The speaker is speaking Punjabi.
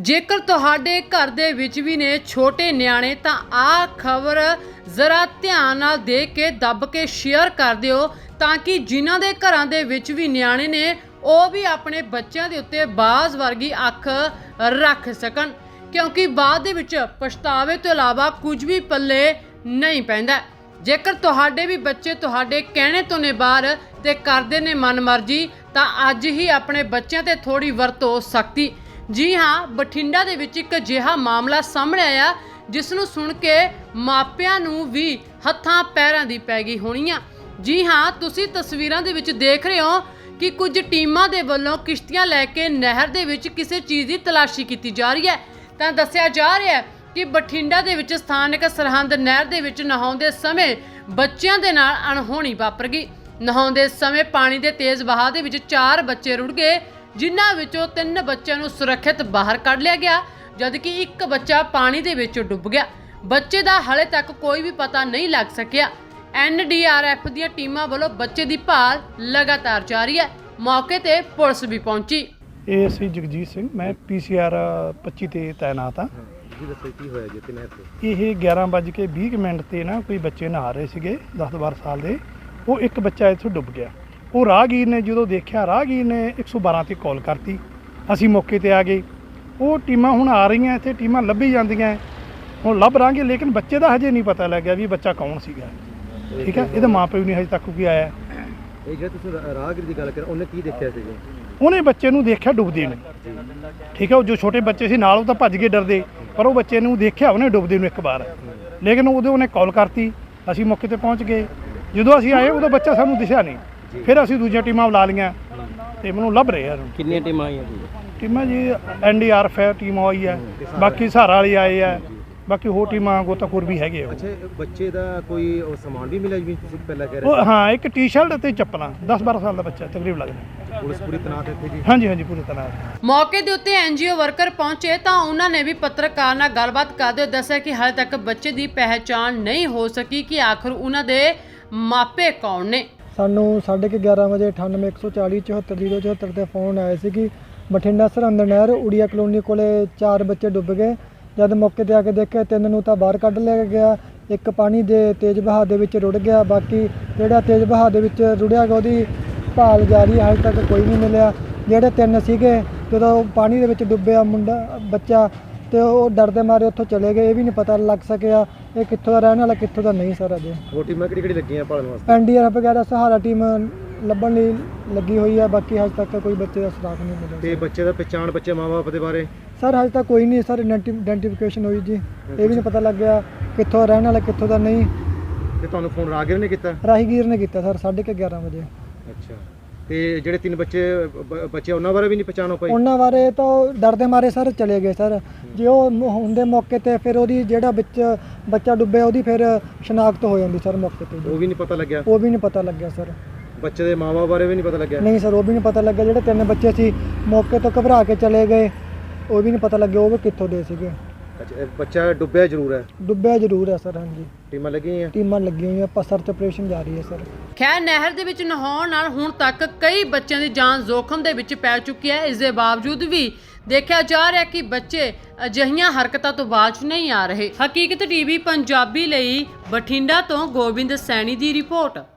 ਜੇਕਰ ਤੁਹਾਡੇ ਘਰ ਦੇ ਵਿੱਚ ਵੀ ਨੇ ਛੋਟੇ ਨਿਆਣੇ ਤਾਂ ਆਹ ਖਬਰ ਜ਼ਰਾ ਧਿਆਨ ਨਾਲ ਦੇਖ ਕੇ ਦੱਬ ਕੇ ਸ਼ੇਅਰ ਕਰ ਦਿਓ ਤਾਂ ਕਿ ਜਿਨ੍ਹਾਂ ਦੇ ਘਰਾਂ ਦੇ ਵਿੱਚ ਵੀ ਨਿਆਣੇ ਨੇ ਉਹ ਵੀ ਆਪਣੇ ਬੱਚਿਆਂ ਦੇ ਉੱਤੇ ਬਾਜ਼ ਵਰਗੀ ਅੱਖ ਰੱਖ ਸਕਣ, ਕਿਉਂਕਿ ਬਾਅਦ ਦੇ ਵਿੱਚ ਪਛਤਾਵੇ ਤੋਂ ਇਲਾਵਾ ਕੁਝ ਵੀ ਪੱਲੇ ਨਹੀਂ ਪੈਂਦਾ। ਜੇਕਰ ਤੁਹਾਡੇ ਵੀ ਬੱਚੇ ਤੁਹਾਡੇ ਕਹਿਣੇ ਤੋਂ ਨੇ ਬਾਹਰ ਤੇ ਕਰਦੇ ਨੇ ਮਨਮਰਜ਼ੀ ਤਾਂ ਅੱਜ ਹੀ ਆਪਣੇ ਬੱਚਿਆਂ ਤੇ ਥੋੜੀ ਵਰਤੋ ਸਖਤੀ। ਜੀ ਹਾਂ, ਬਠਿੰਡਾ ਦੇ ਵਿੱਚ ਇੱਕ ਅਜਿਹਾ ਮਾਮਲਾ ਸਾਹਮਣੇ ਆਇਆ ਜਿਸ ਨੂੰ ਸੁਣ ਕੇ ਮਾਪਿਆਂ ਨੂੰ ਵੀ ਹੱਥਾਂ ਪੈਰਾਂ ਦੀ ਪੈ ਗਈ ਹੋਣੀ ਆ। ਜੀ ਹਾਂ, ਤੁਸੀਂ ਤਸਵੀਰਾਂ ਦੇ ਵਿੱਚ ਦੇਖ ਰਹੇ ਹੋ ਕਿ ਕੁਝ ਟੀਮਾਂ ਦੇ ਵੱਲੋਂ ਕਿਸ਼ਤੀਆਂ ਲੈ ਕੇ ਨਹਿਰ ਦੇ ਵਿੱਚ ਕਿਸੇ ਚੀਜ਼ ਦੀ ਤਲਾਸ਼ੀ ਕੀਤੀ ਜਾ ਰਹੀ ਹੈ। ਤਾਂ ਦੱਸਿਆ ਜਾ ਰਿਹਾ ਹੈ ਕਿ ਬਠਿੰਡਾ ਦੇ ਵਿੱਚ ਸਥਾਨਕ ਸਰਹੰਦ ਨਹਿਰ ਦੇ ਵਿੱਚ ਨਹਾਉਂਦੇ ਸਮੇਂ ਬੱਚਿਆਂ ਦੇ ਨਾਲ ਅਣਹੋਣੀ ਵਾਪਰ ਗਈ। ਨਹਾਉਂਦੇ ਸਮੇਂ ਪਾਣੀ ਦੇ ਤੇਜ਼ ਵਹਾਅ ਦੇ ਵਿੱਚ 4 ਬੱਚੇ ਰੁੜ ਗਏ, ਜਿਨ੍ਹਾਂ ਵਿੱਚੋਂ 3 ਬੱਚਿਆਂ ਨੂੰ ਸੁਰੱਖਿਅਤ ਬਾਹਰ ਕੱਢ ਲਿਆ ਗਿਆ, ਜਦਕਿ ਇੱਕ ਬੱਚਾ ਪਾਣੀ ਦੇ ਵਿੱਚ ਡੁੱਬ ਗਿਆ। ਬੱਚੇ ਦਾ ਹਾਲੇ ਤੱਕ ਕੋਈ ਵੀ ਪਤਾ ਨਹੀਂ ਲੱਗ ਸਕਿਆ। NDRF ਦੀਆਂ ਟੀਮਾਂ ਵੱਲੋਂ ਬੱਚੇ ਦੀ ਭਾਲ ਲਗਾਤਾਰ ਜਾਰੀ ਹੈ। ਮੌਕੇ ਤੇ ਪੁਲਿਸ ਵੀ ਪਹੁੰਚੀ। ਇਹ ਸੀ ਜਗਜੀਤ ਸਿੰਘ, ਮੈਂ PCR 25 ਤੇ ਤਾਇਨਾਤ ਹਾਂ। ਜੀ ਦੱਸੋ ਕੀ ਹੋਇਆ ਜੀ ਤੇ ਨਹਿਰ ਤੇ? ਇਹ 11:20 ਤੇ ਨਾ ਕੋਈ ਬੱਚੇ ਨਹਾ ਰਹੇ ਸੀਗੇ 10-12 ਸਾਲ ਦੇ। ਉਹ ਇੱਕ ਬੱਚਾ ਇੱਥੋਂ ਡੁੱਬ ਗਿਆ। ਉਹ ਰਾਹਗੀਰ ਨੇ ਜਦੋਂ ਦੇਖਿਆ, ਰਾਹਗੀਰ ਨੇ 112 ਤੇ ਕਾਲ ਕਰਤੀ। ਅਸੀਂ ਮੌਕੇ ਤੇ ਆ ਗਏ। ਉਹ ਟੀਮਾਂ ਹੁਣ ਆ ਰਹੀਆਂ, ਇੱਥੇ ਟੀਮਾਂ ਲੱਭੀ ਜਾਂਦੀਆਂ, ਹੁਣ ਲੱਭ ਰਾਂਗੇ, ਲੇਕਿਨ ਬੱਚੇ ਦਾ ਹਜੇ ਨਹੀਂ ਪਤਾ ਲੱਗਿਆ ਵੀ ਬੱਚਾ ਕੌਣ ਸੀਗਾ। ਠੀਕ ਹੈ, ਇਹਦਾ ਮਾਂ ਪਿਓ ਨਹੀਂ ਹਜੇ ਤੱਕ ਕੋਈ ਆਇਆ। ਇਹ ਜਿਹੜਾ ਤੁਸੀਂ ਰਾਹਗੀਰ ਦੀ ਗੱਲ ਕਰ, ਉਹਨੇ ਕੀ ਦੇਖਿਆ ਸੀ ਜੀ? ਉਹਨੇ ਬੱਚੇ ਨੂੰ ਦੇਖਿਆ ਡੁੱਬਦੇ ਨੂੰ। ਠੀਕ ਹੈ, ਉਹ ਜੋ ਛੋਟੇ ਬੱਚੇ ਸੀ ਨਾਲ ਉਹ ਤਾਂ ਭੱਜ ਕੇ ਡਰਦੇ, ਪਰ ਉਹ ਬੱਚੇ ਨੂੰ ਦੇਖਿਆ ਉਹਨੇ ਡੁੱਬਦੇ ਨੂੰ ਇੱਕ ਵਾਰ, ਲੇਕਿਨ ਉਹਨੇ ਕਾਲ ਕਰਤੀ। ਅਸੀਂ ਮੌਕੇ ਤੇ ਪਹੁੰਚ ਗਏ। ਜਦੋਂ ਅਸੀਂ ਆਏ ਉਹਦਾ ਬੱਚਾ ਸਾਨੂੰ ਦਿਸਿਆ ਨਹੀਂ। ਫਿਰ ਅਸੀਂ ਦੂਜੀਆਂ ਟੀਮਾਂ ਬੁਲਾ ਲਈਆਂ ਤੇ ਮੈਨੂੰ ਲੱਭ ਰਹੇ ਆ। ਕਿੰਨੀਆਂ ਟੀਮਾਂ ਆਈਆਂ ਜੀ? ਟੀਮਾਂ ਜੀ NDRF ਹੈ, ਟੀਮ ਆਈ ਹੈ, ਬਾਕੀ ਸਹਾਰਾ ਵਾਲੇ ਆਏ ਆ, ਬਾਕੀ ਹੋਰ ਟੀਮਾਂ ਗੋਤਾਖੋਰ ਵੀ ਹੈਗੇ ਆ। ਅੱਛਾ, ਬੱਚੇ ਦਾ ਕੋਈ ਉਹ ਸਮਾਨ ਵੀ ਮਿਲਿਆ ਜਿਵੇਂ ਤੁਸੀਂ ਪਹਿਲਾਂ ਕਹਿ ਰਹੇ ਉਹ ਹਾਂ, ਇੱਕ ਟੀ-ਸ਼ਰਟ ਅਤੇ ਚੱਪਲਾਂ। 10-12 ਸਾਲ ਦਾ ਬੱਚਾ ਤਕਰੀਬ ਲੱਗਦਾ। ਪੁਲਿਸ ਪੂਰੀ ਤੈਨਾਤ ਇੱਥੇ ਜੀ? ਹਾਂਜੀ, ਪੂਰੀ ਤਰ੍ਹਾਂ। ਮੌਕੇ ਦੇ ਉੱਤੇ NGO ਵਰਕਰ ਪਹੁੰਚੇ ਤਾਂ ਉਹਨਾਂ ਨੇ ਵੀ ਪੱਤਰਕਾਰ ਨਾਲ ਗੱਲਬਾਤ ਕਰਦੇ ਹੋਏ ਦੱਸਿਆ ਕਿ ਹਾਲੇ ਤੱਕ ਬੱਚੇ ਦੀ ਪਹਿਚਾਣ ਨਹੀਂ ਹੋ ਸਕੀ ਕਿ ਆਖਰ ਉਹਨਾਂ ਦੇ ਮਾਪੇ ਕੌਣ ਨੇ। ਸਾਨੂੰ 11:30 ਵਜੇ 9814 74074 ਤੇ ਫੋਨ ਆਇਆ ਸੀ ਕਿ ਬਠਿੰਡਾ ਸਰਹੰਦ ਨਹਿਰ ਉੜੀਆ ਕਲੋਨੀ ਕੋਲੇ 4 ਬੱਚੇ ਡੁੱਬ ਗਏ। ਜਦ ਮੌਕੇ ਤੇ ਆ ਕੇ ਦੇਖਿਆ 3 ਨੂੰ ਤਾਂ ਬਾਹਰ ਕੱਢ ਲਿਆ ਗਿਆ, ਇੱਕ ਪਾਣੀ ਦੇ ਤੇਜ਼ ਵਹਾਅ ਦੇ ਵਿੱਚ ਰੁੜ ਗਿਆ। ਬਾਕੀ ਜਿਹੜਾ ਤੇਜ਼ ਵਹਾਅ ਦੇ ਵਿੱਚ ਰੁੜਿਆ ਗਿਆ ਉਹਦੀ ਭਾਲ ਜਾਰੀ ਹੈ, ਹਾਲੇ ਤੱਕ ਕੋਈ ਨਹੀਂ ਮਿਲਿਆ। ਜਿਹੜੇ 3 ਸੀਗੇ ਜਦੋਂ ਪਾਣੀ ਦੇ ਵਿੱਚ ਡੁੱਬਿਆ ਬੱਚਾ ਤੇ ਉਹ ਡਰਦੇ ਮਾਰੇ ਉੱਥੋਂ ਚਲੇ ਗਏ। ਇਹ ਵੀ ਨਹੀਂ ਪਤਾ ਲੱਗ ਸਕਿਆ ਇਹ ਕਿੱਥੋਂ ਦਾ ਰਹਿਣ ਵਾਲਾ ਕਿੱਥੋਂ ਦਾ ਨਹੀਂ। ਸਰ ਅਜੇ ਹੋਰ ਟੀਮਾਂ ਕਿਹੜੀ ਲੱਗੀਆਂ ਭਾਲਣ ਵਾਸਤੇ? NDRF ਵਗੈਰਾ ਸਹਾਰਾ ਟੀਮ ਲੱਭਣ ਲਈ ਲੱਗੀ ਹੋਈ ਹੈ। ਬਾਕੀ ਹਜੇ ਤੱਕ ਕੋਈ ਬੱਚੇ ਦਾ ਸੁਰਾਗ ਨਹੀਂ ਮਿਲਿਆ। ਤੇ ਬੱਚੇ ਦਾ ਪਛਾਣ, ਬੱਚੇ ਮਾਂ-ਬਾਪ ਦੇ ਬਾਰੇ? ਸਰ ਹਜੇ ਤੱਕ ਕੋਈ ਨਹੀਂ। ਸਰ ਆਇਡੈਂਟੀਫਿਕੇਸ਼ਨ ਹੋਈ ਜੀ, ਇਹ ਵੀ ਨਹੀਂ ਪਤਾ ਲੱਗਿਆ ਕਿੱਥੋਂ ਰਹਿਣ ਵਾਲਾ ਕਿੱਥੋਂ ਦਾ ਨਹੀਂ। ਤੇ ਤੁਹਾਨੂੰ ਫੋਨ ਰਾਹਗੀਰ ਨੇ ਕੀਤਾ? ਰਾਹੀਗੀਰ ਨੇ ਕੀਤਾ ਸਰ 11:30 ਵਜੇ। ਅੱਛਾ, ਤੇ ਜਿਹੜੇ 3 ਬੱਚੇ ਉਹਨਾਂ ਬਾਰੇ ਵੀ ਨਹੀਂ ਪਛਾਣ ਹੋ ਪਾਈ? ਉਹਨਾਂ ਬਾਰੇ ਤਾਂ ਉਹ ਡਰਦੇ ਮਾਰੇ ਸਰ ਚਲੇ ਗਏ। ਸਰ ਜੇ ਉਹ ਹੁੰਦੇ ਮੌਕੇ ਤੇ ਫਿਰ ਉਹਦੀ ਜਿਹੜਾ ਵਿੱਚ ਬੱਚਾ ਡੁੱਬਿਆ ਉਹਦੀ ਫਿਰ ਸ਼ਨਾਖਤ ਹੋ ਜਾਂਦੀ ਸਰ ਮੌਕੇ ਤੇ। ਉਹ ਵੀ ਨਹੀਂ ਪਤਾ ਲੱਗਿਆ? ਉਹ ਵੀ ਨਹੀਂ ਪਤਾ ਲੱਗਿਆ ਸਰ। ਬੱਚੇ ਦੇ ਮਾਂ-ਬਾਪ ਬਾਰੇ ਵੀ ਨਹੀਂ ਪਤਾ ਲੱਗਿਆ? ਨਹੀਂ ਸਰ, ਉਹ ਵੀ ਨਹੀਂ ਪਤਾ ਲੱਗਿਆ। ਜਿਹੜੇ 3 ਬੱਚੇ ਸੀ ਮੌਕੇ ਤੋਂ ਘਬਰਾ ਕੇ ਚਲੇ ਗਏ, ਉਹ ਵੀ ਨਹੀਂ ਪਤਾ ਲੱਗਿਆ ਉਹ ਵੀ ਕਿੱਥੋਂ ਦੇ ਸੀਗੇ। ਅੱਛਾ, ਬੱਚਾ ਡੁੱਬਿਆ ਜ਼ਰੂਰ ਹੈ? ਡੁੱਬਿਆ ਜ਼ਰੂਰ ਹੈ ਸਰ। ਹਾਂਜੀ, ਟੀਮਾਂ ਲੱਗੀਆਂ? ਟੀਮਾਂ ਲੱਗੀਆਂ ਹੋਈਆਂ, ਪਰ ਸਰਚ ਆਪਰੇਸ਼ਨ ਜਾਰੀ ਹੈ ਸਰ। ਖੈਰ, ਨਹਿਰ ਦੇ ਵਿੱਚ ਨਹਾਉਣ ਨਾਲ ਹੁਣ ਤੱਕ ਕਈ ਬੱਚਿਆਂ ਦੀ ਜਾਨ ਜ਼ੋਖਮ ਦੇ ਵਿੱਚ ਪੈ ਚੁੱਕੀ ਹੈ। ਇਸ ਦੇ ਬਾਵਜੂਦ ਵੀ ਦੇਖਿਆ ਜਾ ਰਿਹਾ ਕਿ ਬੱਚੇ ਅਜਿਹੀਆਂ ਹਰਕਤਾਂ ਤੋਂ ਬਾਜ਼ ਨਹੀਂ ਆ ਰਹੇ। ਹਕੀਕਤ TV ਪੰਜਾਬੀ ਲਈ ਬਠਿੰਡਾ ਤੋਂ ਗੋਬਿੰਦ ਸੈਣੀ ਦੀ ਰਿਪੋਰਟ।